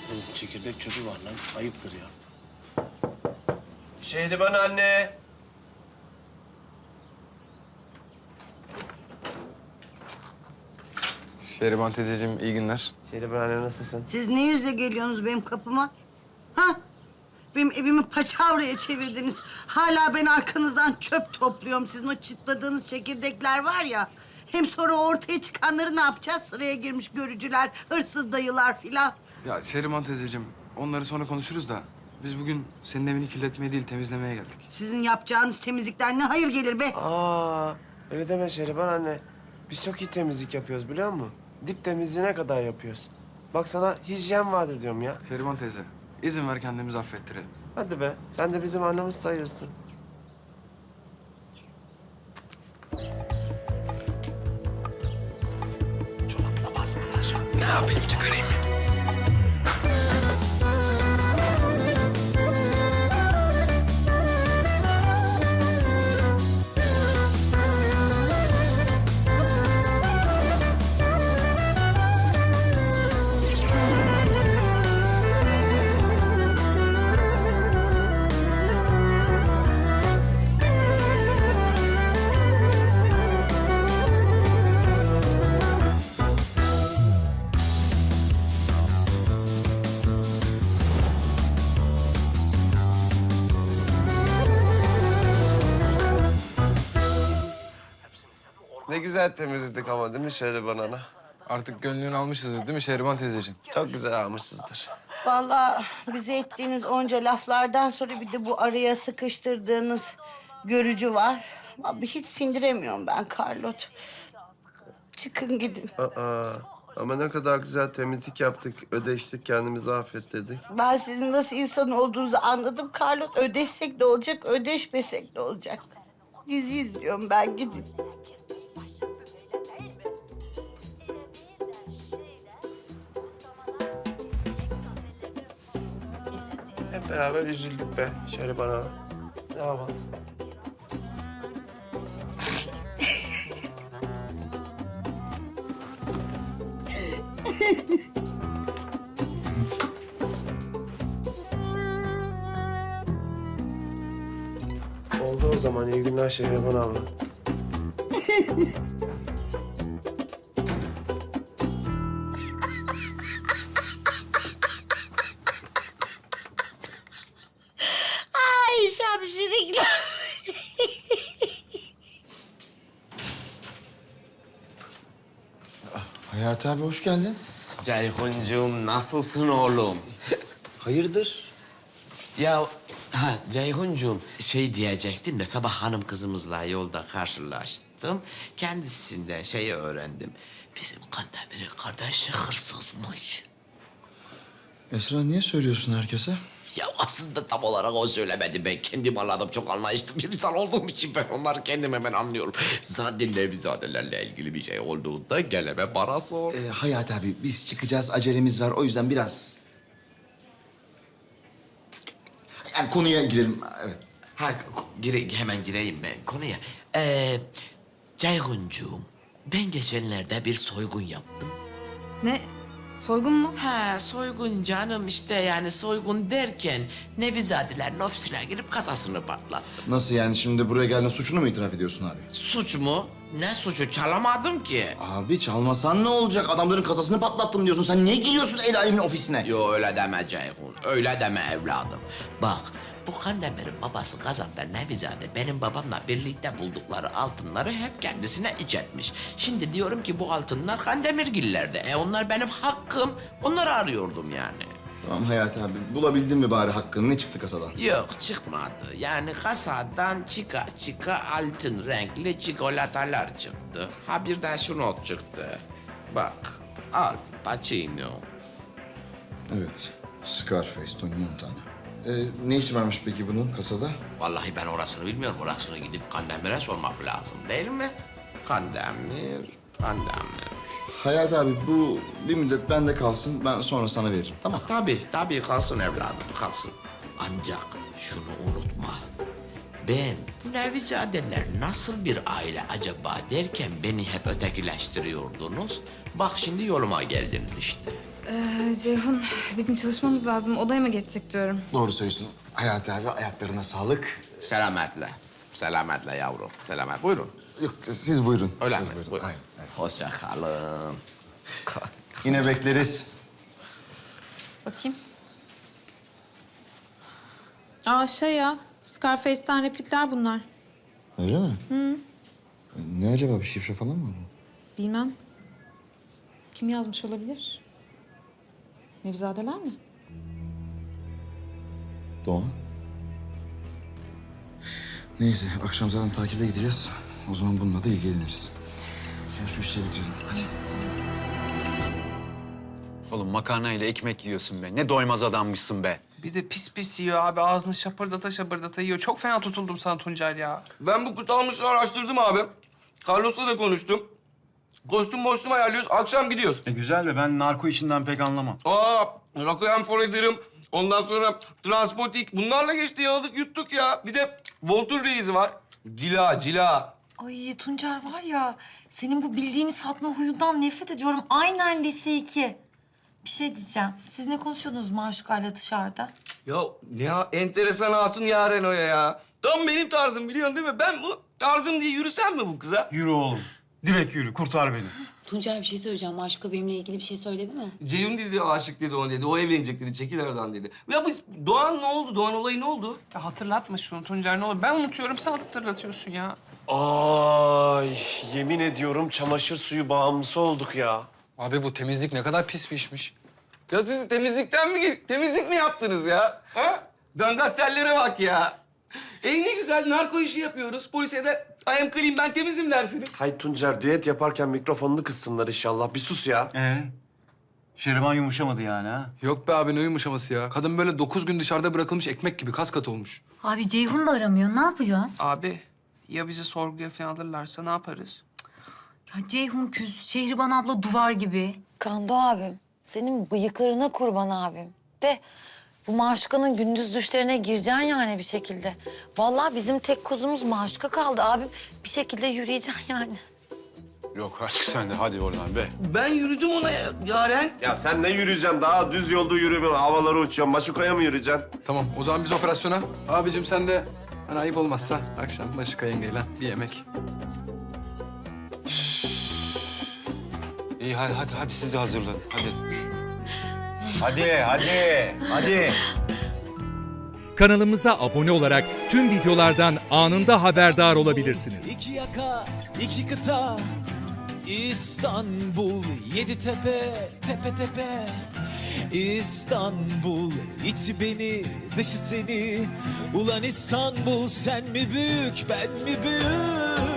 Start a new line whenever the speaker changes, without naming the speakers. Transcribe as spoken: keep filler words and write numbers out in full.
Oğlum çekirdek çöpü var lan. Ayıptır ya.
Şehriban anne.
Şehriban teyzeciğim iyi günler.
Şehriban anne nasılsın?
Siz ne yüze geliyorsunuz benim kapıma? Ha? Benim evimi paçavraya çevirdiniz. Hala ben arkanızdan çöp topluyorum. Sizin o çıtladığınız çekirdekler var ya. Hem sonra ortaya çıkanları ne yapacağız? Sıraya girmiş görücüler, hırsız dayılar filan.
Ya Şehriban teyzeciğim onları sonra konuşuruz da biz bugün senin evini kirletmeye değil temizlemeye geldik.
Sizin yapacağınız temizlikten ne hayır gelir be?
Aa, öyle deme Şehriban anne. Biz çok iyi temizlik yapıyoruz biliyor musun? Dip temizliğine kadar yapıyoruz. Bak sana hijyen vaat ediyorum ya.
Şehriban teyze izin ver kendimizi affettirelim.
Hadi be, sen de bizim annemiz sayılırsın.
Çorapla basmadan şu. Ne yapayım çıkarayım mı?
Ne güzel temizledik ama değil mi Şehriban ana?
Artık gönlünü almışızdır değil mi Şehriban teyzeciğim?
Çok güzel almışızdır.
Vallahi bize ettiğiniz onca laflardan sonra bir de bu araya sıkıştırdığınız görücü var. Abi hiç sindiremiyorum ben Carlot. Çıkın gidin.
Aa, ama ne kadar güzel temizlik yaptık, ödeştik, kendimizi affettirdik.
Ben sizin nasıl insan olduğunuzu anladım Carlot. Ödeşsek de olacak, ödeşmesek de olacak. Dizi izliyorum ben, gidin.
Hep beraber üzüldük be Şehriban ana. Ne yapalım? Oldu o zaman. İyi günler Şehriban abla.
Ay şapşirikler.
Hayati abi hoş geldin.
Ceyhuncuğum nasılsın oğlum?
Hayırdır?
Ya ha Ceyhuncuğum şey diyecektim de sabah hanım kızımızla yolda karşılaştım. Kendisinden şeyi öğrendim. Bizim Kandemir'in kardeşi hırsızmış.
Esra niye söylüyorsun herkese?
Ya aslında tam olarak o söylemedi. Ben kendim anladım. Çok anlayışlı bir insan olduğum için ben onları kendim hemen anlıyorum. Zaten Nevizadelerle ilgili bir şey olduğunda geleme bana sor.
Ee, Hayati abi biz çıkacağız acelemiz var o yüzden biraz... Yani konuya girelim evet.
Ha gire, hemen gireyim ben konuya. Ee, Ceyhuncuğum ben geçenlerde bir soygun yaptım.
Ne? Soygun mu?
Ha soygun canım işte yani soygun derken Nevizadeler ofisine girip kasasını patlattım.
Nasıl yani şimdi buraya geldiğinde suçunu mu itiraf ediyorsun abi?
Suç mu? Ne suçu? Çalamadım ki.
Abi çalmasan ne olacak? Adamların kasasını patlattım diyorsun. Sen niye giriyorsun el alemin ofisine?
Yo öyle deme Ceyhun. Öyle deme evladım. Bak bu Kandemir'in babası Gazap'ta Nevizade benim babamla birlikte buldukları altınları hep kendisine iç etmiş. Şimdi diyorum ki bu altınlar Kandemirgillerde. E onlar benim hakkım. Onları arıyordum yani.
Tamam Hayati abi bulabildin mi bari hakkını? Ne çıktı kasadan?
Yok çıkmadı. Yani kasadan çıka çıka altın renkli çikolatalar çıktı. Ha bir de şu not çıktı. Bak Al Pacino.
Evet. Scarface, Tony Montana. Ee, ne işi varmış peki bunun kasada?
Vallahi ben orasını bilmiyorum. Orasını gidip Kandemir'e sormak lazım değil mi? Kandemir, Kandemir.
Hayati abi bu bir müddet bende kalsın. Ben sonra sana veririm. Tamam.
Tabii, tabii kalsın evladım, kalsın. Ancak şunu unutma. Ben bu Nevizadeler nasıl bir aile acaba derken beni hep ötekileştiriyordunuz. Bak şimdi yoluma geldiniz işte.
Ee, Ceyhun, bizim çalışmamız lazım. Odaya mı geçsek diyorum.
Doğru söylüyorsun. Hayati abi ayaklarına sağlık.
Selametle. Selametle yavrum. Selamet. Buyurun.
Yok siz buyurun.
Öyle
siz
mi?
Buyurun.
Buyurun.
Aynen, aynen.
Hoşça kalın.
Yine bekleriz.
Bakayım. Aa şey ya, Scarface'ten replikler bunlar.
Öyle mi? Hı. Ne acaba bir şifre falan mı bu?
Bilmem. Kim yazmış olabilir? Nevizadeler mi?
Doğan. Neyse akşam zaten takibe gideceğiz. O zaman bununla da ilgileniriz. Ya şu işleri bitirelim hadi.
Oğlum makarna ile ekmek yiyorsun be. Ne doymaz adammışsın be.
Bir de pis pis yiyor abi. Ağzını şapırdata şapırdata yiyor. Çok fena tutuldum sana Tuncel ya.
Ben bu kutalmışı araştırdım abi. Carlos'la da konuştum. Kostüm mostüm ayarlıyoruz. Akşam gidiyoruz.
E güzel de ben narko işinden pek anlamam.
Aa, Requiem for a Dream. Ondan sonra Transpotik. Bunlarla geçti yaladık yuttuk ya. Bir de Voltur Reis'i var. Cila, cila.
Ay Tuncer var ya, senin bu bildiğini satma huyundan nefret ediyorum. Aynen lise iki. Bir şey diyeceğim. Siz ne konuşuyordunuz Maşuka'yla dışarıda?
Ya ne ya, enteresan hatun Yaren o ya. Tam benim tarzım biliyorsun değil mi? Ben bu tarzım diye yürüsem mi bu kıza?
Yürü oğlum. Direkt yürü. Kurtar beni.
Tuncer bir şey söyleyeceğim. Maşuka benimle ilgili bir şey söyledi mi?
Ceyhun dedi, aşık dedi ona dedi. O evlenecek dedi, çekil aradan dedi. Ya bu Doğan ne oldu? Doğan olayı ne oldu?
Ya hatırlatma şunu Tuncer ne olur. Ben unutuyorum, sen hatırlatıyorsun ya.
Ay yemin ediyorum çamaşır suyu bağımlısı olduk ya.
Abi bu temizlik ne kadar pis bir işmiş.
Ya siz temizlikten mi gel- temizlik mi yaptınız ya? Ha? Dangastellere bak ya. Ey ne güzel narko işi yapıyoruz. Polise de I am clean, ben temizim dersiniz.
Hay Tuncer düet yaparken mikrofonunu kıssınlar inşallah. Bir sus ya.
Ee? Şeriman yumuşamadı yani ha?
Yok be abi ne yumuşaması ya. Kadın böyle dokuz gün dışarıda bırakılmış ekmek gibi kas katı olmuş.
Abi Ceyhun da aramıyor. Ne yapacağız?
Abi ya bizi sorguya falan alırlarsa ne yaparız?
Ya Ceyhun küs, Şehriban abla duvar gibi.
Kando abim. Senin bıyıklarına kurban abim. De bu Maşuka'nın gündüz düşlerine gireceksin yani bir şekilde. Vallahi bizim tek kuzumuz Maşuka kaldı abim. Bir şekilde yürüyeceksin yani.
Yok artık sen de hadi oradan be.
Ben yürüdüm ona ya, Yaren.
Ya sen ne yürüyeceksin? Daha düz yolda yürüyorum. Havalara uçuyorsun. Maşuka'ya mı yürüyeceksin?
Tamam o zaman biz operasyona. Abicim sen de hani ayıp olmazsa akşam Maşuka yengeyle bir yemek.
İyi hadi hadi, hadi siz de hazırlanın. Hadi. Hadi hadi hadi.
Kanalımıza abone olarak tüm videolardan anında haberdar olabilirsiniz.
İki yaka, iki kıta, İstanbul, yedi tepe, tepe tepe. İstanbul, içi beni, dışı seni. Ulan İstanbul, sen mi büyük, ben mi büyük?